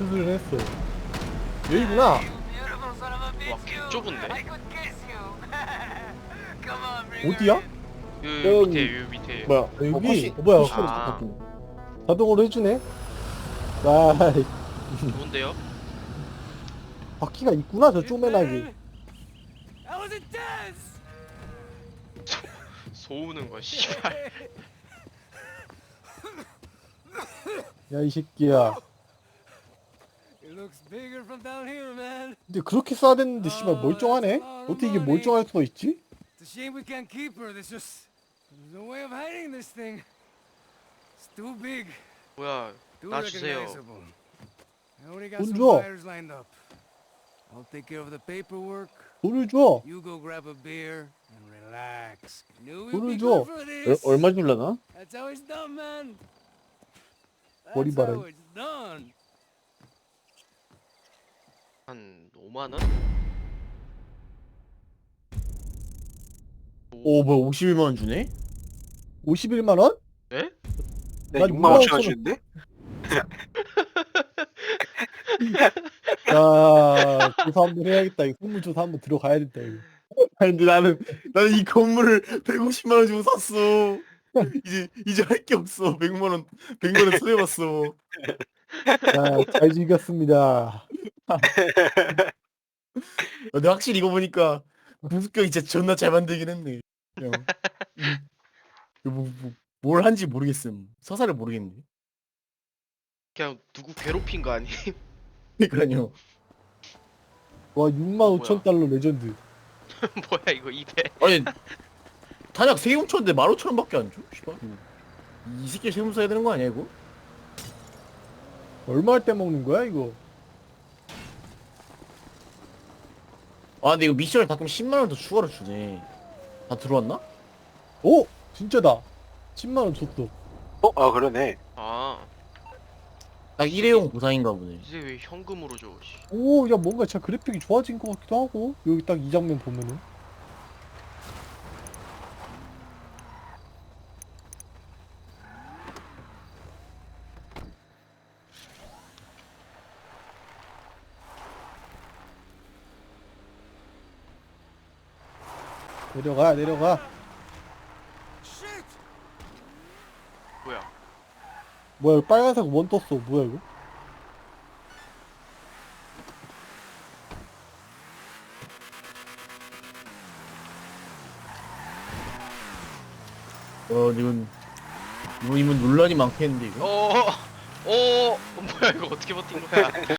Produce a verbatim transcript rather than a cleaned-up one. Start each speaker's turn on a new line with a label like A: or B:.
A: 수술을 했어. 여기구나.
B: 와, 개 좁은데?
A: 어디야?
B: 요
A: 여기.
B: 밑에, 요 밑에.
A: 뭐야 여기?
C: 컷이-
A: 어, 뭐야
C: 컷이
A: 컷
B: 아.
C: 바뀌네.
A: 자동으로 해주네. 아
B: 좋은데요?
A: 바퀴가 있구나 저 쪼매나게.
B: 소우는 거 씨발.
A: 야 이 새끼야.
D: It looks bigger from down here, man.
A: 근데 그렇게 쏴야 됐는데 씨발 멀쩡하네? 어떻게 이게 멀쩡할 수가 있지?
D: It's a shame we can't keep her. There's just there's no way of hiding this thing. It's too big,
B: 뭐야?
D: too
B: 놔주세요.
D: recognizable. I already got
A: 돈
D: some
A: 줘.
D: buyers lined up. I'll take care of the paperwork.
A: 돈을 줘.
D: You go grab a beer and relax. Knew we'd
A: 돈을
D: be
A: 줘.
D: good for
C: 얼,
D: this.
C: 얼마 줄라나?
D: That's how it's done, man.
A: 머리
D: That's
A: 봐라.
D: how it's done.
B: 한 오만 원?
C: 오 뭐야 오십일만 원 주네?
A: 오십일만 원?
B: 예?
E: 네,
A: 난
E: 육만 오천 원
A: 육만
E: 주는데?
A: 야 조사 한번 해야겠다. 이거 선물조사 한번 들어가야 된다 이거.
C: 아니 근데 나는 나는 이 건물을 백오십만 원 주고 샀어. 이제 이제 할 게 없어. 백만 원 백만 원 손해봤어.
A: 야잘 즐겼습니다.
C: 근데 확실히 이거 보니까 무습경이 진짜 존나 잘 만들긴 했네. 형. 음. 뭐, 뭐, 뭘 한지 모르겠음. 서사를 모르겠네.
B: 그냥 누구 괴롭힌 거 아니?
C: 그러니까요.
A: 와 육만 오천 달러 레전드.
B: 뭐야 이거 이백.
C: 아니 단약 세금 쳤는데 만 오천 원밖에 안 줘? 씨발. 이 새끼 세금 써야 되는 거 아니야 이거?
A: 얼마 할 때 먹는 거야 이거?
C: 아 근데 이거 미션을 다 그럼 십만 원 더 추가로 주네. 다 들어왔나?
A: 오 진짜다. 십만 원 줬어.
E: 어? 아 그러네.
B: 아
C: 딱 일회용 보상인가 보네.
B: 이제 왜 현금으로 줘? 씨.
A: 오 야 뭔가 진짜 그래픽이 좋아진 것 같기도 하고 여기 딱 이 장면 보면은. 내려가 내려가.
D: Shit!
B: 뭐야?
A: 뭐야 이거 빨간색 원 떴어. 뭐야 이거?
C: 어 이건 이거 이건 논란이 많겠는데 이거.
B: 어, 어, 어, 뭐야 이거 어떻게 버틴 거야?